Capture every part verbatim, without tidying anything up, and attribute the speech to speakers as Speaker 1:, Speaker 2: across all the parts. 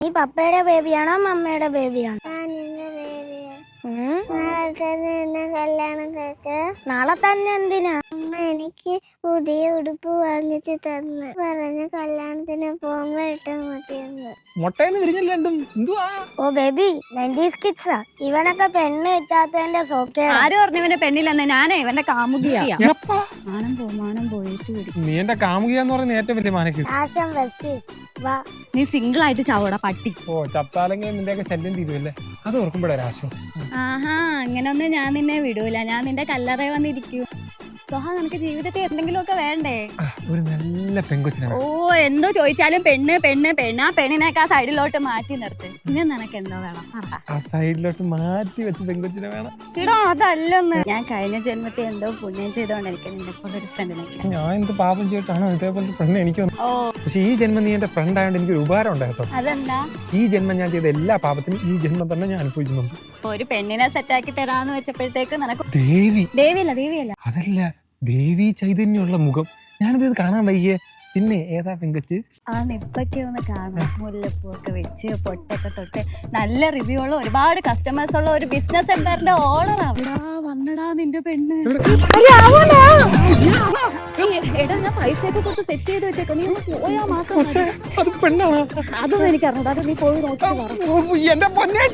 Speaker 1: നീ പപ്പയുടെ ബേബിയാണോ മമ്മയുടെ ബേബിയാണോ? നാളെ തന്നെ എന്തിനാ?
Speaker 2: അമ്മ എനിക്ക് പുതിയ ഉടുപ്പ് വാങ്ങിച്ചു തന്നു പറഞ്ഞ കല്യാണത്തിന് പോകുമ്പോ ഇട്ടാ മതിയെന്ന്.
Speaker 1: ഓ ബേബി നയൻറ്റീസ് കിഡ്സാ. ഇവനൊക്കെ പെണ്ണ് കിട്ടാത്തതിന്റെ സോക്കേട്.
Speaker 3: ആര് പറഞ്ഞു ഇവന്റെ പെണ്ണില്ലെന്ന്? ഞാനേ ഇവന്റെ കാമുകിയാ. മാനം പോ മാനം പോയിട്ട്
Speaker 4: നീ എന്റെ കാമുകിയാന്ന് പറയുന്ന ഏറ്റവും വലിയ മാനക്ക്.
Speaker 1: ആശം വെസ്റ്റീസ് വാ.
Speaker 3: നീ സിംഗിൾ ആയിട്ട് ചാവോടാ പട്ടി.
Speaker 4: ഓ ചത്താലെങ്കിൽ നിന്റെയൊക്കെ ശല്യം തീരുമല്ലേ, അത് ഓർക്കുമ്പോഴൊരു ആശ്വാസം.
Speaker 3: ആഹാ അങ്ങനൊന്നും ഞാൻ നിന്നെ വിടൂല. ഞാൻ നിന്റെ കല്ലറ വന്നിരിക്കൂ. സോഹ നിനക്ക് ജീവിതത്തിൽ എന്തെങ്കിലും ഒക്കെ വേണ്ടേ?
Speaker 4: ഒരു നല്ല പെൺകൊച്ചിനാണ്.
Speaker 3: ഓ എന്തോ ചോദിച്ചാലും പെണ്ണ് പെണ്ണ് പെണ്ണ്. ആ പെണ്ണിനൊക്കെ ആ സൈഡിലോട്ട് മാറ്റി നിർത്ത്. പിന്നെ നിനക്ക് എന്തോ വേണം?
Speaker 4: ആ സൈഡിലോട്ട് മാറ്റി വെച്ച് പെൺകൊച്ചിനെ വേണം.
Speaker 3: ഇടോ അതല്ലെന്ന്. ഞാൻ കഴിഞ്ഞ ജന്മത്തിൽ എന്തോ പുണ്യം ചെയ്തോണ്ട് എനിക്ക് നിന്റെ പോലെ ഒരു ഫ്രണ്ടിനെ.
Speaker 4: ഞാൻ എന്ത് പാപം ചെയ്തിട്ടാണോ ഇതേപോലത്തെ ഫ്രണ്ട് എനിക്ക് വന്നു.
Speaker 3: ഓ
Speaker 4: പക്ഷെ ഈ ജന്മം നീ എന്റെ ഫ്രണ്ട് ആയതുകൊണ്ട് എനിക്ക് ഒരു ഉപകാരം ഉണ്ടായിട്ടോ.
Speaker 3: അതെന്താ?
Speaker 4: ഈ ജന്മം ഞാൻ ചെയ്ത എല്ലാ പാപത്തിനും ഈ ജന്മം തന്നെ ഞാൻ അനുഭവിക്കുന്നുണ്ട്.
Speaker 3: ഒരു പെണ്ണിനെ സെറ്റാക്കി തരാന്ന് വെച്ചപ്പോഴത്തേക്ക് നിനക്ക്
Speaker 4: ദേവി
Speaker 3: ദേവിയല്ല ദേവിയല്ല
Speaker 4: അതല്ല ദേവി ചൈതന്യമുള്ള മുഖം. ഞാനിത് കാണാൻ വയ്യേ. പിന്നെ ഏതാ പെങ്കൊച്ച്?
Speaker 3: ആ നിപ്പൊക്കെ ഒന്ന് കാണാം. മുല്ലപ്പൂ ഒക്കെ വെച്ച് പൊട്ടൊക്കെ തൊട്ട് നല്ല റിവ്യൂ ഉള്ള ഒരുപാട് കസ്റ്റമേഴ്സ് ഉള്ള ഒരു ബിസിനസ് സെന്ററിന്റെ ഓണർ. അവിടെ വന്നടാ നിന്റെ പെണ്ണ്. എടാ ഞാൻ പൈസ ഒക്കെ കൊടുത്ത് സെറ്റ് ചെയ്ത് വെച്ചേക്ക. നീ ഒന്ന് പോയാ മാസം. അതൊന്നും എനിക്ക് അറിഞ്ഞൂടാ. അത് നീ പോയി നോക്കിട്ട്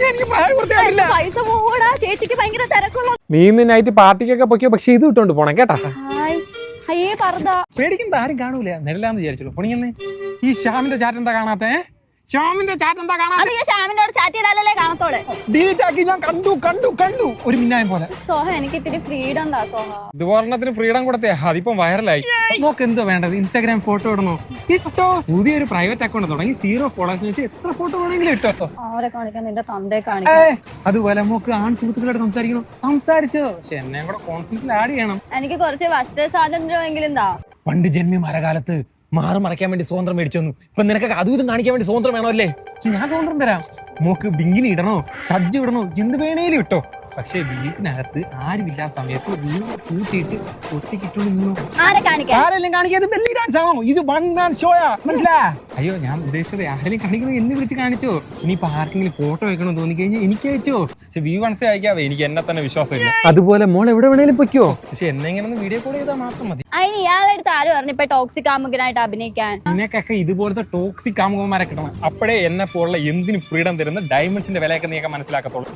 Speaker 3: പൈസ പോകൂടാ. ചേച്ചിക്ക് ഭയങ്കര തിരക്കുള്ള.
Speaker 4: നീ ഇന്ന് നൈറ്റ് പാർട്ടിക്കൊക്കെ പൊക്കിയോ, പക്ഷെ ഇത് ഇട്ടോണ്ട് പോണം കേട്ടാ.
Speaker 3: അയ്യേ പറഞ്ഞ
Speaker 4: പേടിക്കുന്നത് ആരും കാണൂല. നെല്ലാന്ന് വിചാരിച്ചോളൂ. പൊണിയെന്ന് ഈ ശ്യാമിന്റെ ചാറ്റ് എന്താ കാണാത്തെ? ശ്യാമിന്റെ ചാറ്റ് എന്താ കാണാത്തെ?
Speaker 3: ശ്യാമിനോട് ചാറ്റ് ചെയ്താലല്ലേ കാണത്തോളെ.
Speaker 4: ഡിലീറ്റ് ആക്കി ഞാൻ കണ്ടു കണ്ടു കണ്ടു ഒരു മിന്നായം പോലെ.
Speaker 3: സോഹ എനിക്ക് ഇത്തിരി ഫ്രീഡം എന്താ സോഹ?
Speaker 4: ഇതുപോരണത്തിന് ഫ്രീഡം കൊടുത്തേ അതിപ്പം വൈറലായി. നോക്ക് എന്തോ വേണ്ടത്. ഇൻസ്റ്റാഗ്രാം ഫോട്ടോ ഇടണോ? ഇട്ടോ. പുതിയൊരു പ്രൈവറ്റ് അക്കൗണ്ട് തുടങ്ങി സീറോ ഫോളോവേഴ്സിന് വെച്ച് എത്ര ഫോട്ടോ വേണമെങ്കിലും ഇട്ടോ.
Speaker 3: അവരെ കാണിക്കാൻ നിന്റെ തന്തയെ കാണിക്കാൻ.
Speaker 4: അതുപോലെ നമുക്ക് ആൺ സുഹൃത്തുക്കളോട് സംസാരിക്കണം. സംസാരിച്ചോ, പക്ഷെ എന്നെ കൂടെ കോൺഫിഡൻസിൽ ആഡ് ചെയ്യണം.
Speaker 3: എനിക്ക് കുറച്ച് വസ്ത്ര സ്വാതന്ത്ര്യമെങ്കിലും എന്താ.
Speaker 4: പണ്ട് ജന്മി മരകാലത്ത് മാറ് മറയ്ക്കാൻ വേണ്ടി സ്വതന്ത്രം മേടിച്ചു വന്നു. ഇപ്പൊ നിനക്കൊക്കെ അതും ഇതും കാണിക്കാൻ വേണ്ടി സ്വതന്ത്രം വേണമല്ലേ? ഞാൻ സ്വതന്ത്രം തരാം. മോക്ക് ബിങ്കിനി ഇടണോ, ഷഡ്ജ് ഇടണോ, എന്ത് വേണേലും ഇട്ടോ. പക്ഷെ വീട്ടിനകത്ത് ആരുമില്ലാത്ത സമയത്ത് വീട് കൂട്ടിയിട്ട് ഒറ്റക്കിട്ടു. ആരെല്ലാം കാണിക്കാതെ ബെല്ലി ഡാൻസ് ആണോ? ഇത് വൺ മാൻ ഷോയാ, മനസ്സിലാ? അയ്യോ ഞാൻ ഉദ്ദേശിച്ചത് ആരെങ്കിലും കാണിക്കുന്നത് എന്ന് വിളിച്ച് കാണിച്ചോ. ഇനിയിപ്പോ ആർക്കെങ്കിലും ഫോട്ടോ വെക്കണമെന്ന് തോന്നി കഴിഞ്ഞാൽ എനിക്ക് അയച്ചോ. പക്ഷെ വ്യൂ വൺസേ അയക്കാവേ, എനിക്ക് എന്നെ തന്നെ വിശ്വാസമില്ല. അതുപോലെ മോൾ എവിടെ വേണേലും പൊയ്ക്കോ, പക്ഷെ എന്നെ ഇങ്ങനെ വീഡിയോ കോൾ ചെയ്താൽ മാത്രം മതി.
Speaker 3: അതിന് ഇയാളെടുത്ത് ആരും പറഞ്ഞു ഇപ്പൊ ടോക്സിക് കാമുകനായിട്ട് അഭിനയിക്കാൻ?
Speaker 4: നിനക്കൊക്കെ ഇതുപോലത്തെ ടോക്സിക് കാമുകന്മാരെ കിട്ടണം. അപ്പോഴേ എന്നെ പോലുള്ള എന്തിനും ഫ്രീഡം തരുന്ന ഡയമണ്ട്സിന്റെ വിലയൊക്കെ നീയൊക്കെ മനസ്സിലാക്കത്തുള്ളൂ.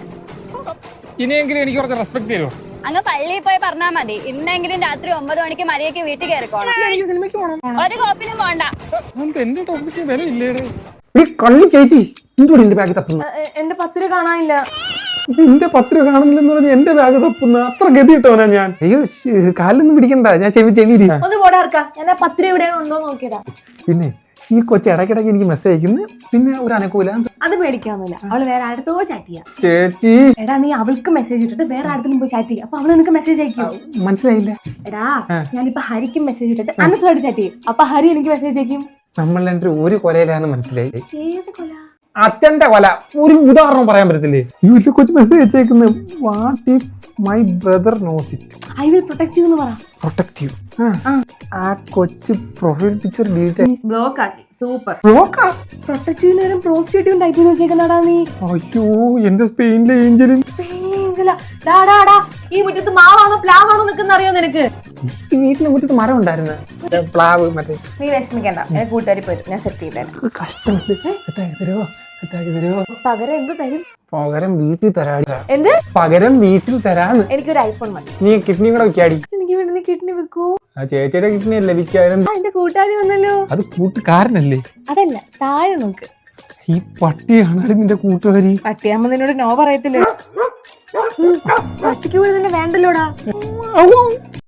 Speaker 4: ഇനിയെങ്കിലും എനിക്ക് കുറച്ച് റെസ്പെക്ട് തരുമോ?
Speaker 3: അങ്ങ് പള്ളിയിൽ പോയി പറഞ്ഞാൽ മതി. ഇന്നെങ്കിലും രാത്രി ഒമ്പത് മണിക്ക് മരിയക്ക് വീട്ടിൽ കയറിക്കോണം. ഒരു കോപ്പിനും പോണ്ട.
Speaker 4: എന്റെ ടോക്സിക് വില ഇല്ലേ?
Speaker 5: ചേച്ചി എന്റെ ബാഗ് തപ്പുന്നു.
Speaker 6: എന്റെ പത്ത് രൂപ കാണാനില്ല.
Speaker 5: എന്റെ പത്ത് രൂപ കാണുന്നില്ലെന്ന് പറഞ്ഞ എന്റെ ബാഗ് തപ്പുന്ന അത്ര ഗതിയിട്ടോനാ ഞാൻ. അയ്യോ കാലൊന്നും പിടിക്കണ്ട, ഞാൻ ചെവി ചെവി
Speaker 6: ഒന്ന് പോടാ ഇറക്കാം. ഞാൻ ആ പത്ത് രൂപ എവിടെയാണ് ഉണ്ടോ നോക്കിയതാ.
Speaker 5: പിന്നെ ഈ കൊച്ചി ഇടയ്ക്കിടയ്ക്ക് എനിക്ക് മെസ്സേജ് അയക്കുന്നു. പിന്നെ ഒരു അനുകൂല
Speaker 6: അത് പേടിക്കാന്നില്ല. അവള് വേറെ അടുത്തോ ചാറ്റ് ചെയ്യാം.
Speaker 5: ചേച്ചി
Speaker 6: എടാ നീ അവൾക്ക് മെസ്സേജ് ഇട്ടിട്ട് വേറെ അടുത്തും പോയി ചാറ്റ് ചെയ്യും. അപ്പൊ അവള് നിനക്ക് മെസ്സേജ് അയക്കും.
Speaker 5: മനസ്സിലായില്ല?
Speaker 6: എടാ ഞാനിപ്പോ ഹരിക്കും മെസ്സേജ് ഇട്ടിട്ട് അന്നത്തോട് ചാറ്റ് ചെയ്യും. അപ്പൊ ഹരി എനിക്ക് മെസ്സേജ് അയക്കും.
Speaker 5: നമ്മൾ എന്റെ ഒരു കൊലയിലാന്ന് മനസ്സിലായി.
Speaker 6: ഏത് കൊല?
Speaker 5: അച്ഛന്റെ കൊല. ഒരു ഉദാഹരണം പറയാൻ പറ്റത്തില്ലേ? ഈ കൊച്ചു മെസ്സേജ് അയച്ചേക്കുന്നത് what if my brother knows it,
Speaker 6: I will protect you എന്ന് പറ.
Speaker 5: Protect you. ആ കൊച്ചു പ്രൊഫൈൽ പിക്ചർ ഡിലീറ്റ്
Speaker 6: ബ്ലോക്ക് ആക്കി. സൂപ്പർ.
Speaker 5: ബ്ലോക്കാ?
Speaker 6: പ്രൊട്ടക്ട് യുവിന് നേരം പ്രോസ്റ്റിറ്റ്യൂട്ടും ടൈപ്പ് ചെയ്ത് വെച്ചേക്കുന്നടാ നീ.
Speaker 5: അയ്യോ എന്റെ സ്പെയിനിലെ ഏഞ്ചലിൻ.
Speaker 6: ഈ മുറ്റത്ത് മാവാണോ പ്ലാവാണോ നിൽക്കുന്ന അറിയോ നിനക്ക്?
Speaker 5: വീട്ടിലെ മുറ്റത്ത് മരം ഉണ്ടായിരുന്നു, പ്ലാവ്. മറ്റേ
Speaker 6: നീ വിഷമിക്കണ്ട, എന്റെ കൂട്ടുകാരി പോയി ഞാൻ സെറ്റ് ചെയ്തേരാം.
Speaker 5: കഷ്ടമുണ്ട്. സെറ്റാക്കി തരുമോ? സെറ്റാക്കി തരുമോ?
Speaker 6: പകരം എന്ത് തരും?
Speaker 5: പകരം വീട്ടിൽ തരാടി.
Speaker 6: എന്ത്
Speaker 5: പകരം വീട്ടിൽ തരാന്ന്?
Speaker 6: എനിക്കൊരു ഐഫോൺ മതി.
Speaker 5: നീ കിഡ്നി കൂടെ വെക്കാടി.
Speaker 6: എനിക്ക് വേണ്ടി നീ കിഡ്നി വെക്കൂ.
Speaker 5: ആ ചേച്ചിയുടെ കിഡ്നി അല്ലേ വിൽക്കാനും?
Speaker 6: എന്റെ കൂട്ടുകാരി വന്നല്ലോ.
Speaker 5: അത് കൂട്ടുകാരനല്ലേ?
Speaker 6: അതല്ല, താഴെ നോക്ക്.
Speaker 5: ഈ പട്ടിയാണാടി നിന്റെ കൂട്ടുകാരി.
Speaker 6: പട്ടിയാകുമ്പോ നിന്നോട് നോ പറയത്തില്ലേ? പട്ടിക്ക് പോലും തന്നെ വേണ്ടല്ലോടാ.